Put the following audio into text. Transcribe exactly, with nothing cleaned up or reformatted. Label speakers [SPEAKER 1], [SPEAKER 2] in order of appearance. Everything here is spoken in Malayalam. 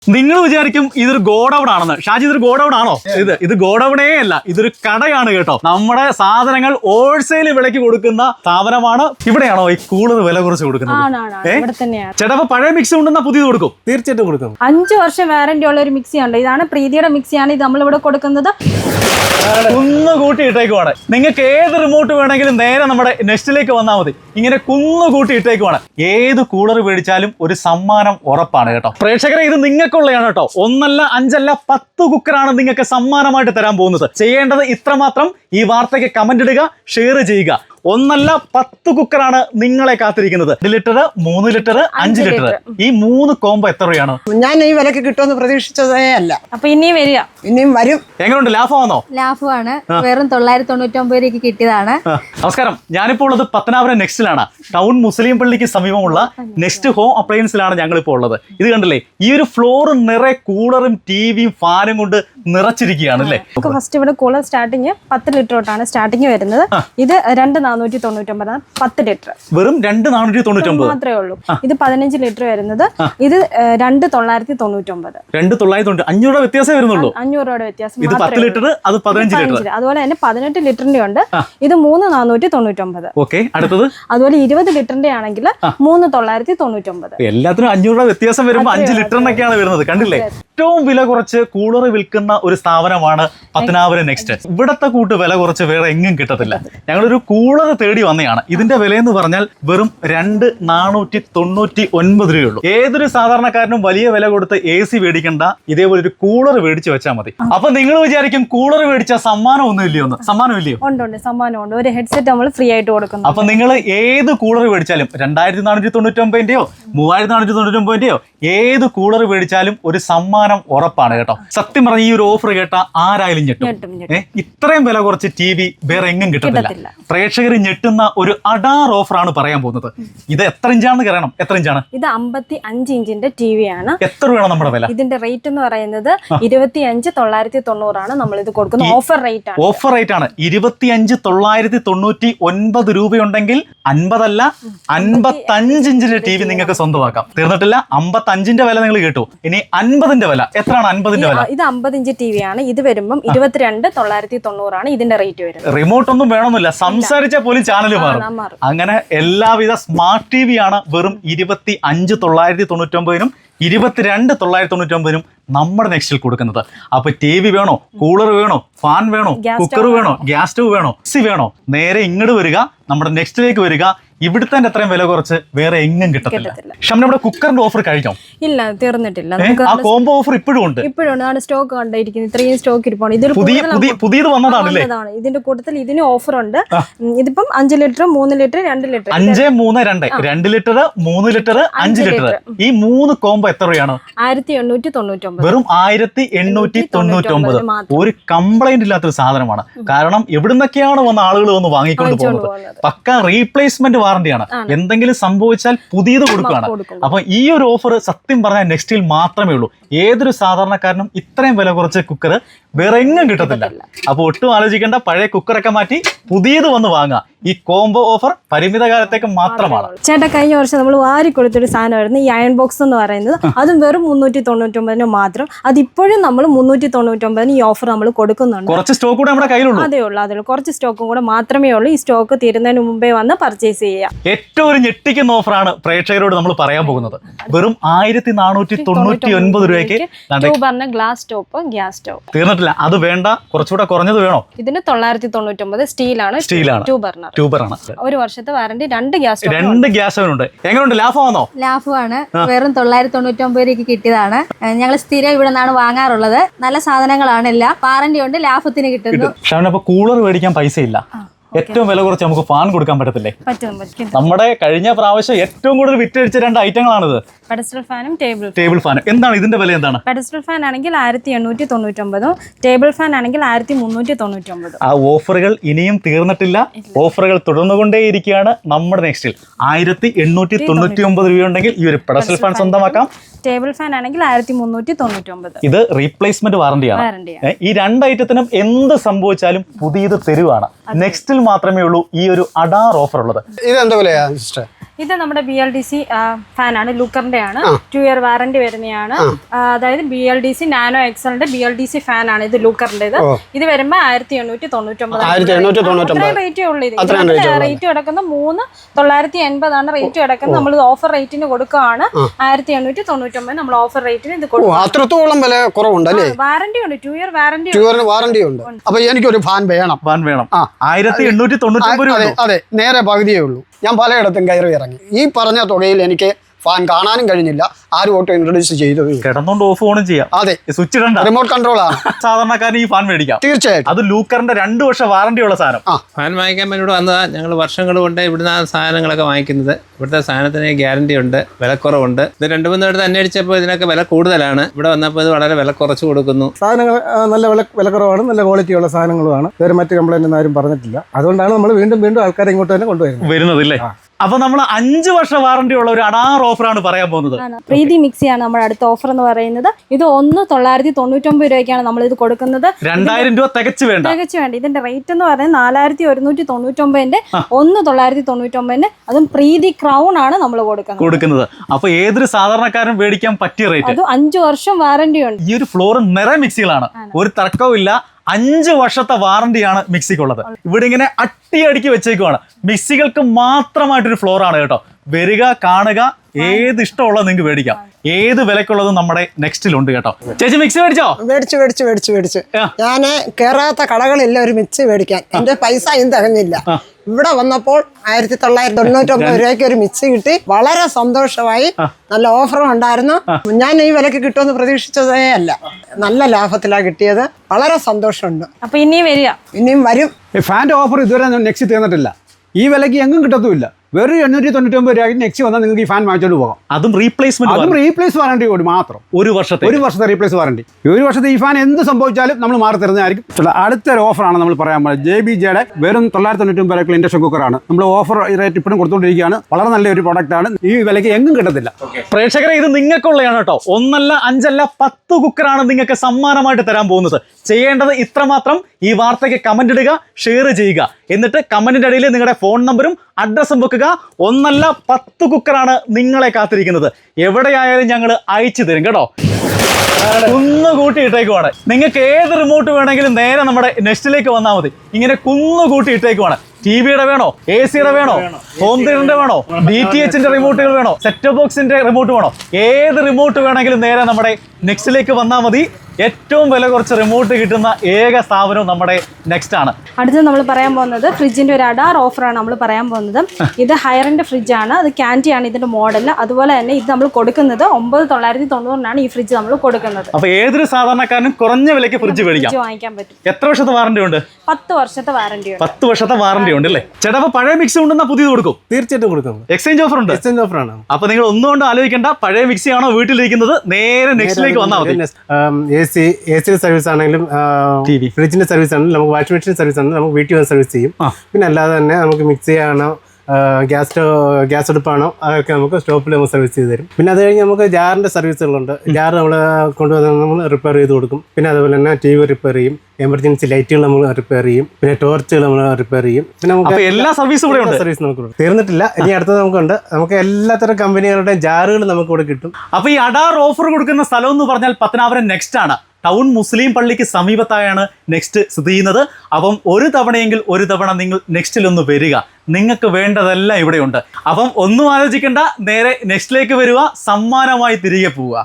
[SPEAKER 1] നിങ്ങൾ വിചാരിക്കും ഇതൊരു ഗോഡൌൺ ആണെന്ന്. ഷാജി, ഇതൊരു ഗോഡൌൺ ആണോ? ഇത് ഇത് ഗോഡൌണേ അല്ല, ഇതൊരു കടയാണ് കേട്ടോ. നമ്മുടെ സാധനങ്ങൾ ഹോൾസെയിൽ വിലക്ക് കൊടുക്കുന്ന സ്ഥാപനമാണ്. ഇവിടെയാണോ ഈ കൂടുതൽ വില കുറച്ച് കൊടുക്കുന്നത്? ചേട്ടാ, അപ്പൊ പഴയ മിക്സി ഉണ്ടെന്നാ പുതിയത് കൊടുക്കും?
[SPEAKER 2] തീർച്ചയായിട്ടും കൊടുക്കും.
[SPEAKER 3] അഞ്ചു വർഷം വാറന്റി ഉള്ള ഒരു മിക്സി ഉണ്ട്. ഇതാണ് പ്രീതിയുടെ മിക്സിയാണ്. ഇത് നമ്മളിവിടെ കൊടുക്കുന്നത്.
[SPEAKER 1] കുന്നു കൂട്ടി ഇട്ടേക്കുവാണ്. നിങ്ങൾക്ക് ഏത് റിമോട്ട് വേണമെങ്കിലും നേരെ നമ്മുടെ നെസ്റ്റിലേക്ക് വന്നാൽ മതി. ഇങ്ങനെ കുന്നു കൂട്ടി ഇട്ടേക്കുവാണ്. ഏത് കൂളർ മേടിച്ചാലും ഒരു സമ്മാനം ഉറപ്പാണ് കേട്ടോ. പ്രേക്ഷകരെ, ഇത് നിങ്ങൾക്കുള്ളതാണ് കേട്ടോ. ഒന്നല്ല, അഞ്ചല്ല, പത്ത് കുക്കറാണ് നിങ്ങൾക്ക് സമ്മാനമായിട്ട് തരാൻ പോകുന്നത്. ചെയ്യേണ്ടത് ഇത്രമാത്രം: ഈ വാർത്തയ്ക്ക് കമന്റ് ഇടുക, ഷെയർ ചെയ്യുക. ഒന്നല്ല, പത്ത് കുക്കറാണ് നിങ്ങളെ കാത്തിരിക്കുന്നത്. രണ്ട് ലിറ്റർ, മൂന്ന് ലിറ്റർ, അഞ്ച് ലിറ്റർ. ഈ മൂന്ന് കോംബോ എത്ര രൂപയാണ്?
[SPEAKER 4] ഞാൻ ഈ വിലക്ക് കിട്ടുമെന്ന് പ്രതീക്ഷിച്ചതേ അല്ല.
[SPEAKER 3] അപ്പൊ ഇനിയും വരിക,
[SPEAKER 4] ഇനിയും വരും.
[SPEAKER 1] എങ്ങനെയുണ്ട്? ലാഭമാണോ?
[SPEAKER 3] ലാഭമാണ്. വെറും തൊള്ളായിരത്തി തൊണ്ണൂറ്റി ഒമ്പത് രൂപയ്ക്ക് കിട്ടിയതാണ്.
[SPEAKER 1] നമസ്കാരം, ഞാനിപ്പോൾ ഉള്ളത് പത്തനാപുരം നെക്സ്റ്റിലാണ്. ടൗൺ മുസ്ലിം പള്ളിക്ക് സമീപമുള്ള നെക്സ്റ്റ് ഹോം അപ്ലയൻസിലാണ് ഞങ്ങളിപ്പോൾ ഉള്ളത്. ഇത് കണ്ടില്ലേ, ഈ ഒരു ഫ്ലോർ നിറയെ കൂളറും ടിവിയും ഫാനും കൊണ്ട് നിറച്ചിരിക്കുകയാണ് അല്ലേ.
[SPEAKER 3] ഫസ്റ്റ് ഇവിടെ കൂളർ സ്റ്റാർട്ടിങ് പത്ത് ലിറ്റർ തൊട്ടാണ് സ്റ്റാർട്ടിങ് വരുന്നത്. ഇത് രണ്ട് നാനൂറ്റി തൊണ്ണൂറ്റി ഒമ്പതാണ് പത്ത് ലിറ്റർ.
[SPEAKER 1] വെറും രണ്ട് നാനൂറ്റി തൊണ്ണൂറ്റി ഒമ്പത്
[SPEAKER 3] മാത്രമേ ഉള്ളൂ. ഇത് പതിനഞ്ച് ലിറ്റർ വരുന്നത്. ഇത് രണ്ട് തൊള്ളായിരത്തി തൊണ്ണൂറ്റി ഒമ്പത്.
[SPEAKER 1] രണ്ട് തൊള്ളായിരത്തി തൊണ്ണൂറ്റി അഞ്ഞൂറ് രൂപ വ്യത്യാസം വരുന്നുള്ളൂ.
[SPEAKER 3] അഞ്ഞൂറ് രൂപയുടെ വ്യത്യാസം.
[SPEAKER 1] ഇത് പത്ത് ലിറ്റർ, അത് പതിനഞ്ച് ലിറ്റർ.
[SPEAKER 3] അതുപോലെ തന്നെ പതിനെട്ട് ലിറ്ററിന്റെ ഉണ്ട്. ഇത് മൂന്ന് നാനൂറ്റി തൊണ്ണൂറ്റി ഒമ്പത്.
[SPEAKER 1] ഓക്കെ, അടുത്തത്
[SPEAKER 3] അതുപോലെ ഇരുപത് ലിറ്ററിന്റെ ആണെങ്കിൽ മൂന്ന് തൊള്ളായിരത്തി തൊണ്ണൂറ്റി ഒമ്പത്.
[SPEAKER 1] എല്ലാത്തിനും അഞ്ഞൂറ് രൂപ വ്യത്യാസം വരുമ്പോൾ അഞ്ച് ലിറ്ററിനൊക്കെയാണ് വരുന്നത്. കണ്ടില്ലേ, ഏറ്റവും വില കുറച്ച് കൂളർ വിൽക്കുന്ന ഒരു സ്ഥാപനമാണ് പത്തനാപുരം നെക്സ്റ്റ്. ഇവിടത്തെ കൂട്ട് വില കുറച്ച് വേറെ എങ്ങും കിട്ടത്തില്ല. ഞങ്ങളൊരു കൂളർ തേടി വന്നതാണ്. ഇതിന്റെ വില എന്ന് പറഞ്ഞാൽ വെറും രണ്ട് നാനൂറ്റി തൊണ്ണൂറ്റി ഒൻപത് രൂപയുള്ളൂ. ഏതൊരു സാധാരണക്കാരനും വലിയ വില കൊടുത്ത് എ സി മേടിക്കണ്ട, ഇതേപോലെ ഒരു കൂളർ മേടിച്ച് വെച്ചാൽ മതി. അപ്പൊ നിങ്ങൾ വിചാരിക്കും കൂളർ മേടിച്ച സമ്മാനം ഒന്നും ഇല്ലയോ എന്ന്? സമ്മാനം ഇല്ലയോ?
[SPEAKER 3] ഉണ്ട്, സമ്മാനം ഉണ്ട്. ഒരു ഹെഡ്സെറ്റ് നമ്മൾ ഫ്രീ ആയിട്ട് കൊടുക്കുന്നു.
[SPEAKER 1] അപ്പൊ നിങ്ങൾ ഏത് കൂളർ മേടിച്ചാലും രണ്ടായിരത്തി നാനൂറ്റി തൊണ്ണൂറ്റി ഒമ്പതിന്റെയോ മൂവായിരത്തി നാനൂറ്റി തൊണ്ണൂറ്റി ഒമ്പതിന്റെയോ ഏത് കൂളർ മേടിച്ചാലും ഒരു സമ്മാനം ഉറപ്പാണ് കേട്ടോ. സത്യം പറഞ്ഞ ഈ ഒരു ഓഫർ കേട്ട ആരായാലും ഞെട്ടും. ഏഹ്, ഇത്രയും വില കുറച്ച് ടി വി വേറെ എങ്ങും കിട്ടത്തില്ല. പ്രേക്ഷകർ ഞെട്ടുന്ന ഒരു അഡാർ ഓഫറാണ് പറയാൻ പോകുന്നത്. ഇത് എത്ര ഇഞ്ചാണെന്ന് പറയണം. എത്ര ഇഞ്ചാണ്?
[SPEAKER 3] ഇത് അമ്പത്തി അഞ്ച് ഇഞ്ചിന്റെ ടി വി ആണ്.
[SPEAKER 1] എത്ര രൂപയാണ് നമ്മുടെ വില?
[SPEAKER 3] ഇതിന്റെ റേറ്റ് എന്ന് പറയുന്നത് ഇരുപത്തി അഞ്ച് തൊള്ളായിരത്തി തൊണ്ണൂറാണ് നമ്മൾ ഇത് കൊടുക്കുന്നത്. ഓഫർ റേറ്റ് ആണ്.
[SPEAKER 1] ഓഫർ റേറ്റ് ആണ്. ഇരുപത്തി അഞ്ച് തൊള്ളായിരത്തി തൊണ്ണൂറ്റി ഒൻപത് രൂപയുണ്ടെങ്കിൽ അൻപതല്ല അൻപത്തി അഞ്ച് ഇഞ്ചിന്റെ ടി വി നിങ്ങൾക്ക് സ്വന്തമാക്കാം. തീർന്നിട്ടില്ല. അമ്പത്തി അഞ്ചിന്റെ വില നിങ്ങൾ കേട്ടു. ഇനി അൻപതിന്റെ വില എത്രയാണ്? അൻപതിന്റെ വില
[SPEAKER 3] ഇത് അമ്പത് ഇഞ്ച് ടി വി ആണ്. ഇത് വരുമ്പം ഇരുപത്തിരണ്ട് തൊള്ളായിരത്തി തൊണ്ണൂറാണ് ഇതിന്റെ റേറ്റ് വരുന്നത്.
[SPEAKER 1] റിമോട്ട് ഒന്നും വേണമെന്നില്ല, സംസാരിച്ച പോലും ചാനൽ മാറും. അങ്ങനെ എല്ലാവിധ സ്മാർട്ട് ടി വി ആണ് വെറും ഇരുപത്തി അഞ്ച് തൊള്ളായിരത്തി തൊണ്ണൂറ്റി ഒമ്പതിനും ഇരുപത്തിരണ്ട് തൊള്ളായിരത്തി തൊണ്ണൂറ്റി ഒമ്പതിനും നമ്മുടെ നെക്സ്റ്റിൽ കൊടുക്കുന്നത്. അപ്പൊ ടി വി വേണോ, കൂളർ വേണോ, ഫാൻ വേണോ, കുക്കർ വേണോ, ഗ്യാസ് സ്റ്റവ് വേണോ, മിക്സി വേണോ, നേരെ ഇങ്ങോട്ട് വരിക, നമ്മുടെ നെക്സ്റ്റിലേക്ക് വരിക. ഇവിടുത്തെ അത്രയും വില കുറച്ച് വേറെ എങ്ങും കിട്ടത്തില്ല. പക്ഷെ നമ്മുടെ കുക്കറിന്റെ ഓഫർ കഴിഞ്ഞോ?
[SPEAKER 3] ഇല്ല, തീർന്നിട്ടില്ല.
[SPEAKER 1] ആ കോംബോ ഓഫർ ഇപ്പോഴും ഉണ്ട്.
[SPEAKER 3] ഇപ്പോഴും ഉണ്ട്. സ്റ്റോക്ക് കണ്ടിരിക്കുന്നത്. ഇത്രയും സ്റ്റോക്ക് ഇരിപ്പാണ്. ഇതൊരു
[SPEAKER 1] പുതിയത് വന്നതാണല്ലേ?
[SPEAKER 3] ഇതിന്റെ കൂട്ടത്തിൽ ഇതിന് ഓഫർ ഉണ്ട്. ഇതിപ്പം അഞ്ച് ലിറ്റർ, മൂന്ന് ലിറ്റർ, രണ്ട് ലിറ്റർ.
[SPEAKER 1] അഞ്ച് മൂന്ന് രണ്ട് രണ്ട് ലിറ്റർ, മൂന്ന് ലിറ്റർ, അഞ്ച് ലിറ്റർ. ഈ മൂന്ന് കോംബോ എത്ര രൂപയാണ്?
[SPEAKER 3] ആയിരത്തി എണ്ണൂറ്റി തൊണ്ണൂറ്റി ഒമ്പത്.
[SPEAKER 1] വെറും ആയിരത്തി എണ്ണൂറ്റി തൊണ്ണൂറ്റി ഒമ്പത്. ഒരു കംപ്ലൈന്റ് ഇല്ലാത്തൊരു സാധനമാണ്. കാരണം എവിടുന്നൊക്കെയാണ് വന്ന ആളുകൾ വന്ന് വാങ്ങിക്കൊണ്ട് പോകുന്നത്. പക്ക റീപ്ലേസ്മെന്റ് വാറന്റിയാണ്. എന്തെങ്കിലും സംഭവിച്ചാൽ പുതിയത് കൊടുക്കുകയാണ്. അപ്പൊ ഈ ഒരു ഓഫർ സത്യം പറഞ്ഞാൽ നെക്സ്റ്റിൽ മാത്രമേ ഉള്ളൂ. ഏതൊരു സാധാരണക്കാരനും ഇത്രയും വില കുറച്ച് കുക്കർ വേറെ എങ്ങും കിട്ടത്തില്ല. അപ്പൊ ഒട്ടും ആലോചിക്കേണ്ട, പഴയ കുക്കറൊക്കെ മാറ്റി പുതിയത് വന്ന് വാങ്ങാം. ഈ കോംബോ ഓഫർ പരിമിത കാലത്തേക്ക് മാത്രമാണ്.
[SPEAKER 3] ചേട്ടാ, കഴിഞ്ഞ വർഷം നമ്മൾ വാരി കൊടുത്തൊരു സാധനമായിരുന്നു ഈ അയൺ ബോക്സ് എന്ന് പറയുന്നത്. അതും വെറും മുന്നൂറ്റി തൊണ്ണൂറ്റി ഒമ്പതിന് മാത്രം. അതിപ്പോഴും നമ്മൾ മുന്നൂറ്റി തൊണ്ണൂറ്റി ഒമ്പതിന് ഈ ഓഫർ നമ്മൾ കൊടുക്കുന്നുണ്ട്.
[SPEAKER 1] കുറച്ച് സ്റ്റോക്ക് കൂടെ നമ്മുടെ കയ്യിലുള്ളൂ.
[SPEAKER 3] അതേ ഉള്ളൂ, അതേ ഉള്ളൂ. കുറച്ച് സ്റ്റോക്കും കൂടെ മാത്രമേ ഉള്ളൂ. ഈ സ്റ്റോക്ക് തീരുന്നതിന് മുമ്പേ വന്ന് പർച്ചേസ് ചെയ്യാം.
[SPEAKER 1] ഏറ്റവും ഒരു ഞെട്ടിക്കുന്ന ഓഫറാണ് പ്രേക്ഷകരോട് നമ്മൾ പറയാൻ പോകുന്നത്. വെറും ആയിരത്തി നാനൂറ്റി തൊണ്ണൂറ്റി ഒൻപത് രൂപയ്ക്ക്
[SPEAKER 3] ഗ്ലാസ് സ്റ്റോപ്പ്, ഗ്യാസ് സ്റ്റോവ്.
[SPEAKER 1] തീർന്നിട്ടില്ല. അത് വേണ്ട, കുറച്ചുകൂടെ കുറഞ്ഞത് വേണോ?
[SPEAKER 3] ഇതിന് തൊള്ളായിരത്തി തൊണ്ണൂറ്റി ഒമ്പത്. സ്റ്റീലാണ്.
[SPEAKER 1] സ്റ്റീലാണ്.
[SPEAKER 3] Two burner.
[SPEAKER 1] Two burner.
[SPEAKER 3] ഒരു വർഷത്തെ വാറന്റി. രണ്ട് ഗ്യാസ്
[SPEAKER 1] രണ്ട് ഗ്യാസ് ഉണ്ട്. എങ്ങനെയുണ്ട്? ലാഭമാണോ?
[SPEAKER 5] ലാഭമാണ്. വെറും തൊള്ളായിരത്തി തൊണ്ണൂറ്റി ഒമ്പത് രൂപയ്ക്ക് കിട്ടിയതാണ്. ഞങ്ങൾ സ്ഥിരം ഇവിടെ നിന്നാണ് വാങ്ങാറുള്ളത്. നല്ല സാധനങ്ങളാണ് എല്ലാം. വാറന്റി ഉണ്ട്, ലാഭത്തിന് കിട്ടുന്നു.
[SPEAKER 1] അപ്പൊ കൂളർ മേടിക്കാൻ പൈസ ഇല്ല. ഏറ്റവും വില കുറച്ച് നമുക്ക് ഫാൻ കൊടുക്കാൻ പറ്റത്തില്ലേ? നമ്മുടെ കഴിഞ്ഞ പ്രാവശ്യം ഏറ്റവും കൂടുതൽ വിറ്റഴിച്ച രണ്ട് ഐറ്റങ്ങളാണിത്.
[SPEAKER 3] പെഡസ്റ്റൽ ഫാനും ടേബിൾ
[SPEAKER 1] ടേബിൾ ഫാനും. എന്താണ് ഇതിന്റെ വില? എന്താണ്?
[SPEAKER 3] പെഡസ്റ്റൽ ഫാൻ ആണെങ്കിൽ ആയിരത്തി എണ്ണൂറ്റി തൊണ്ണൂറ്റി ഒമ്പതും ടേബിൾ ഫാൻ ആണെങ്കിൽ ആയിരത്തി മുന്നൂറ്റി തൊണ്ണൂറ്റി ഒമ്പതും.
[SPEAKER 1] ആ ഓഫറുകൾ ഇനിയും തീർന്നിട്ടില്ല. ഓഫറുകൾ തുടർന്നുകൊണ്ടേയിരിക്കുകയാണ്. നമ്മുടെ നെക്സ്റ്റിൽ ആയിരത്തി എണ്ണൂറ്റി തൊണ്ണൂറ്റി ഒമ്പത് രൂപയുണ്ടെങ്കിൽ ഈ ഒരു പെഡസ്റ്റൽ ഫാൻ സ്വന്തമാക്കാം.
[SPEAKER 3] ടേബിൾ ഫാൻ ആണെങ്കിൽ ആയിരത്തി മുന്നൂറ്റി തൊണ്ണൂറ്റി ഒമ്പത്.
[SPEAKER 1] ഇത് റീപ്ലേസ്മെന്റ് വാറന്റിയാണ്. ഈ രണ്ട് ഐറ്റത്തിനും എന്ത് സംഭവിച്ചാലും പുതിയത് തരുവാണ്. നെക്സ്റ്റിൽ മാത്രമേ ഉള്ളൂ ഈ ഒരു അഡാർ ഓഫർ ഉള്ളത്.
[SPEAKER 2] ഇത് എന്താ വിലയാ സിസ്റ്റർ?
[SPEAKER 3] ഇത് നമ്മുടെ ബി എൽ ഡി സി ഫാനാണ്, ലൂക്കറിന്റെ ആണ്. ടു ഇയർ വാറന്റി വരുന്നതാണ്. അതായത് B L D C nano എക്സലിന്റെ B L D C fan ആണ് ഇത്, ലൂക്കറിന്റെ. ഇത് വരുമ്പോ ആയിരത്തി എണ്ണൂറ്റി തൊണ്ണൂറ്റി ഒമ്പത് റേറ്റേ ഉള്ളൂ. ഇത് റേറ്റ് കിടക്കുന്ന മൂന്ന് തൊള്ളായിരത്തി എൺപതാണ് റേറ്റ് കിടക്കുന്നത്. നമ്മൾ ഓഫർ റേറ്റിന് കൊടുക്കുകയാണ് ആയിരത്തി എണ്ണൂറ്റി തൊണ്ണൂറ്റി ഒമ്പത്. നമ്മൾ ഓഫർ റേറ്റിന് ഇത് കൊടുക്കും.
[SPEAKER 2] അത്രത്തോളം വില കുറവുണ്ടല്ലേ?
[SPEAKER 3] വാറന്റി ഉണ്ട്, ടു ഇയർ വാറന്റി
[SPEAKER 2] വാറന്റി ഉണ്ട്. അപ്പൊ എനിക്കൊരു ഫാൻ വേണം.
[SPEAKER 1] ഫാൻ വേണം. ആയിരത്തി എണ്ണൂറ്റി തൊണ്ണൂറ്റി ഒമ്പത് രൂപ.
[SPEAKER 2] അതെ, നേരെ പകുതിയേ ഉള്ളൂ. ഞാൻ പലയിടത്തും കയറി ഇറങ്ങി. ഈ പറഞ്ഞ തുകയിൽ എനിക്ക് ഫാൻ കാണാനും കഴിഞ്ഞില്ല. ആരും ഓട്ടോ ഇൻട്രൊഡ്യൂസ് ചെയ്തത്
[SPEAKER 1] കിടന്നോണ്ട് ഓഫ് ഓണും ചെയ്യാം.
[SPEAKER 2] അതെ,
[SPEAKER 1] സ്വിച്ച് ഇടണ്ട,
[SPEAKER 2] റിമോട്ട് കൺട്രോൾ ആണ്.
[SPEAKER 1] സാധാരണക്കാരന് ഈ ഫാൻ മേടിക്കാം
[SPEAKER 2] തീർച്ചയായിട്ടും.
[SPEAKER 1] അത് ലൂക്കറിന്റെ രണ്ടു വർഷം വാറന്റി ഉള്ള സാധനം.
[SPEAKER 6] ഫാൻ വാങ്ങിക്കാൻ വേണ്ടി വന്നതാ. ഞങ്ങൾ വർഷങ്ങൾ കൊണ്ട് ഇവിടുന്ന് ആ സാധനങ്ങളൊക്കെ വാങ്ങിക്കുന്നത്. ഇവിടുത്തെ സാധനത്തിന് ഗ്യാരണ്ടി ഉണ്ട്, വിലക്കുറവുണ്ട്. ഇത് രണ്ടു മൂന്ന് ഇടത്ത് അന്വേഷിച്ചപ്പോൾ ഇതിനൊക്കെ വില കൂടുതലാണ്. ഇവിടെ വന്നപ്പോൾ ഇത് വളരെ വില കുറച്ച് കൊടുക്കുന്നു.
[SPEAKER 7] സാധനങ്ങൾ നല്ല വില വിലക്കുറവാണ്, നല്ല ക്വാളിറ്റിയുള്ള സാധനങ്ങളുമാണ്. വേറെ മറ്റ് കംപ്ലൈന്റ് ഒന്നും ആരും പറഞ്ഞിട്ടില്ല. അതുകൊണ്ടാണ് നമ്മൾ വീണ്ടും വീണ്ടും ആൾക്കാരെ ഇങ്ങോട്ട് തന്നെ കൊണ്ടുവരുന്നത്
[SPEAKER 1] വരുന്നതില്ലേ. അപ്പൊ നമ്മൾ അഞ്ചു വർഷം വാറന്റി ഉള്ള ഒരു അടാർ ഓഫറാണ് പറയാൻ പോകുന്നത്.
[SPEAKER 3] പ്രീതി മിക്സിയാണ് നമ്മുടെ അടുത്ത ഓഫർ എന്ന് പറയുന്നത്. ഇത് ഒന്ന് തൊള്ളായിരത്തി തൊണ്ണൂറ്റൊമ്പത് രൂപയ്ക്കാണ് നമ്മൾ ഇത് കൊടുക്കുന്നത്.
[SPEAKER 1] രണ്ടായിരം രൂപ തികച്ചു വേണ്ട
[SPEAKER 3] തികച്ചു വേണ്ട. ഇതിന്റെ റേറ്റ് എന്ന് പറയുന്നത് നാലായിരത്തി ഒരുന്നൂറ്റി തൊണ്ണൂറ്റൊമ്പതിന്റെ ഒന്ന് തൊള്ളായിരത്തി തൊണ്ണൂറ്റൊമ്പതിന്, അതും പ്രീതി ക്രൗൺ ആണ് നമ്മൾ കൊടുക്കുന്നത്
[SPEAKER 1] കൊടുക്കുന്നത് അപ്പൊ ഏതൊരു സാധാരണക്കാരൻ മേടിക്കാൻ പറ്റിയ റേറ്റ്.
[SPEAKER 3] അത് അഞ്ചു വർഷം വാറന്റി ഉണ്ട്.
[SPEAKER 1] ഈ ഒരു ഫ്ലോർ നിറയെ മിക്സികളാണ്, ഒരു തർക്കവും ഇല്ല. അഞ്ച് വർഷത്തെ വാറന്റിയാണ് മിക്സിക്കുള്ളത്. ഇവിടെ ഇങ്ങനെ അട്ടിയടിക്ക് വെച്ചേക്കുവാണ്. മിക്സികൾക്ക് മാത്രമായിട്ടൊരു ഫ്ലോർ ആണ് കേട്ടോ. വരിക, കാണുക, ഏത് ഇഷ്ടമുള്ളത് നിങ്ങൾക്ക് മേടിക്കാം. ഏത് വിലക്കുള്ളതും നമ്മുടെ നെക്സ്റ്റിലുണ്ട് കേട്ടോ. ചേച്ചി മിക്സി മേടിച്ചോ?
[SPEAKER 4] മേടിച്ചു മേടിച്ചു മേടിച്ചു മേടിച്ചു ഞാന് കേറാത്ത കടകളില്ല ഒരു മിക്സി മേടിക്കാൻ. എന്റെ പൈസ ഇതും തികഞ്ഞില്ല. ഇവിടെ വന്നപ്പോൾ ആയിരത്തി തൊള്ളായിരത്തി തൊണ്ണൂറ്റി ഒമ്പത് രൂപയ്ക്ക് ഒരു മിക്സി കിട്ടി. വളരെ സന്തോഷമായി. നല്ല ഓഫറും ഉണ്ടായിരുന്നു. ഞാൻ ഈ വിലക്ക് കിട്ടുമെന്ന് പ്രതീക്ഷിച്ചതേ അല്ല. നല്ല ലാഭത്തിലാണ് കിട്ടിയത്. വളരെ സന്തോഷമുണ്ട്.
[SPEAKER 3] അപ്പൊ ഇനിയും വരിക,
[SPEAKER 4] ഇനിയും വരും.
[SPEAKER 7] ഫാൻ്റെ ഓഫർ ഇതുവരെ നെക്സ്റ്റ് തീർന്നിട്ടില്ല. ഈ വിലയ്ക്ക് എങ്ങും കിട്ടത്തുമില്ല. വെറും എണ്ണൂറ്റി തൊണ്ണൂറ്റി ഒമ്പത് രൂപയ്ക്ക് നെക്സ്റ്റ് വന്നാൽ നിങ്ങൾക്ക് ഈ ഫാൻ വാങ്ങിച്ചോണ്ട് പോകാം.
[SPEAKER 1] അതും റീപ്ലേസ്മെന്റ്,
[SPEAKER 7] അതും റീപ്ലേസ് വാറണ്ടി കൂടി മാത്രം.
[SPEAKER 1] ഒരു വർഷത്തെ
[SPEAKER 7] ഒരു വർഷത്തെ റീപ്ലേസ് വാറണ്ടി. ഈ ഒരു വർഷത്തെ ഈ ഫാൻ എന്ത് സംഭവിച്ചാലും നമ്മൾ മാറി തരുന്നതായിരിക്കും. അടുത്തൊരു ഓഫറാണ് നമ്മൾ പറയാൻ പോകുന്നത്. ജെ ബി ജെയുടെ വെറും തൊള്ളായിരത്തി തൊണ്ണൂറ്റി ഒമ്പത് രൂപയ്ക്കുള്ള ഇൻഡക്ഷൻ കുക്കറാണ്. നമ്മൾ ഓഫർ റേറ്റ് ഇപ്പോഴും കൊടുത്തുകൊണ്ടിരിക്കുകയാണ്. വളരെ നല്ലൊരു പ്രോഡക്റ്റാണ്. ഈ വിലയ്ക്ക് എങ്ങും കിട്ടത്തില്ല.
[SPEAKER 1] പ്രേക്ഷകരെ, ഇത് നിങ്ങൾക്കുള്ളതാണ് കേട്ടോ. ഒന്നല്ല, അഞ്ചല്ല, പത്ത് കുക്കറാണ് നിങ്ങൾക്ക് സമ്മാനമായിട്ട് തരാൻ പോകുന്നത്. ചെയ്യേണ്ടത് ഇത്രമാത്രം: ഈ വാർത്തയ്ക്ക് കമന്റ് ഇടുക, ഷെയർ ചെയ്യുക. എന്നിട്ട് കമന്റിന്റെ അടിയിൽ നിങ്ങളുടെ ഫോൺ നമ്പറും അഡ്രസ്സും വെക്കുക. ഒന്നല്ല, പത്ത് കുക്കറാണ് നിങ്ങളെ കാത്തിരിക്കുന്നത്. എവിടെയായാലും ഞങ്ങൾ അയച്ചു തരും കേട്ടോ. കുന്നു കൂട്ടി ഇട്ടേക്കുവാണ്. നിങ്ങൾക്ക് ഏത് റിമോട്ട് വേണമെങ്കിലും നേരെ നമ്മുടെ നെസ്റ്റിലേക്ക് വന്നാൽ മതി. ഇങ്ങനെ കുന്നു കൂട്ടി ഇട്ടേക്കുവാണ്. ടി വിയുടെ വേണോ, എ സിയുടെ വേണോ, ഹോം തിയേറ്ററിന്റെ വേണോ, ഡി ടി എച്ചിന്റെ റിമോട്ടുകൾ വേണോ, സെറ്റ് ബോക്സിന്റെ റിമോട്ട് വേണോ, ഏത് റിമോട്ട് വേണമെങ്കിലും നേരെ നമ്മുടെ നെക്സ്റ്റിലേക്ക് വന്നാൽ മതി. ഏറ്റവും വില കുറച്ച് റിമോട്ട് കിട്ടുന്ന ഏക സ്ഥാപനം നമ്മുടെ നെക്സ്റ്റ് ആണ്.
[SPEAKER 3] അടുത്ത് നമ്മൾ പറയാൻ പോകുന്നത് ഫ്രിഡ്ജിന്റെ ഒരു അഡാർ ഓഫറാണ് നമ്മൾ പറയാൻ പോകുന്നത്. ഇത് ഹയറിന്റെ ഫ്രിഡ്ജാണ്. അത് ക്യാൻറ്റിയാണ് ഇതിന്റെ മോഡൽ. അതുപോലെ തന്നെ ഇത് നമ്മൾ കൊടുക്കുന്നത് ഒമ്പത് തൊള്ളായിരത്തി തൊണ്ണൂറിനാണ് ഈ ഫ്രിഡ്ജ് നമ്മൾ കൊടുക്കുന്നത്.
[SPEAKER 1] അപ്പൊ ഏതൊരു സാധാരണക്കാരനും കുറഞ്ഞ വിലയ്ക്ക് ഫ്രിഡ്ജ് മേടിക്കാം,
[SPEAKER 3] വാങ്ങിക്കാൻ പറ്റും.
[SPEAKER 1] എത്ര വർഷത്തെ വാറന്റി ഉണ്ട്?
[SPEAKER 3] പത്ത് വർഷത്തെ വാറന്റി ഉണ്ട്.
[SPEAKER 1] പത്ത് വർഷത്തെ വാറന്റി ഉണ്ട് അല്ലേ? ചേട്ടാ, അപ്പൊ പഴയ മിക്സി ഉണ്ടെന്നാ പുതിയത് കൊടുക്കും?
[SPEAKER 7] തീർച്ചയായിട്ടും കൊടുക്കും.
[SPEAKER 1] എക്സ്ചേഞ്ച് ഓഫർ ഉണ്ട്.
[SPEAKER 7] എക്സ്ചേഞ്ച് ഓഫറാണ്.
[SPEAKER 1] അപ്പൊ നിങ്ങൾ ഒന്നുകൊണ്ട് ആലോചിക്കേണ്ട. പഴയ മിക്സി ആണോ വീട്ടിലിരിക്കുന്നത്, നേരെ നെക്സ്റ്റിലേക്ക് വന്നാൽ മതി.
[SPEAKER 8] A C A C service ആണെങ്കിലും ഫ്രിഡ്ജിന്റെ സർവീസ് ആണെങ്കിലും നമുക്ക് വാഷിംഗ് മെഷീൻ സർവീസ് ആണെങ്കിലും നമുക്ക് വീട്ടിൽ വന്ന് സർവീസ് ചെയ്യും. പിന്നെ അല്ലാതെ തന്നെ നമുക്ക് മിക്സി ആണോ, ഗ്യാസ് സ്റ്റവ് ഗ്യാസ് അടുപ്പാണോ, അതൊക്കെ നമുക്ക് സ്റ്റോപ്പിൽ നമുക്ക് സർവീസ് ചെയ്ത് തരും. പിന്നെ അത് കഴിഞ്ഞ് നമുക്ക് ജാറിന്റെ സർവീസുകളുണ്ട്. ജാർ നമ്മൾ കൊണ്ടുവന്ന് നമ്മൾ റിപ്പയർ ചെയ്ത് കൊടുക്കും. പിന്നെ അതുപോലെ തന്നെ ടി വി റിപ്പയർ ചെയ്യും. എമർജൻസി ലൈറ്റുകൾ നമ്മൾ റിപ്പയർ ചെയ്യും. പിന്നെ ടോർച്ചുകൾ നമ്മൾ റിപ്പയർ ചെയ്യും. പിന്നെ നമുക്ക് എല്ലാ സർവീസും കൂടെ ഉണ്ട്. സർവീസ് നമുക്ക് തീർന്നിട്ടില്ല. ഇനി അടുത്തത് നമുക്കുണ്ട്. നമുക്ക് എല്ലാത്തരം കമ്പനികളുടെയും ജാറുകൾ നമുക്ക് ഇവിടെ കിട്ടും.
[SPEAKER 1] അപ്പൊ ഈ അഡാർ ഓഫർ കൊടുക്കുന്ന സ്ഥലം എന്ന് പറഞ്ഞാൽ പത്തനാപുരം നെക്സ്റ്റ് ആണ്. ടൗൺ മുസ്ലിം പള്ളിക്ക് സമീപത്തായാണ് നെക്സ്റ്റ് സ്ഥിതി ചെയ്യുന്നത്. അപ്പം ഒരു തവണയെങ്കിൽ ഒരു തവണ നിങ്ങൾ നെക്സ്റ്റിലൊന്ന് വരിക. നിങ്ങൾക്ക് വേണ്ടതെല്ലാം ഇവിടെയുണ്ട്. അപ്പം ഒന്നും ആലോചിക്കേണ്ട, നേരെ നെക്സ്റ്റിലേക്ക് വരിക, സമ്മാനമായി തിരികെ പോവുക.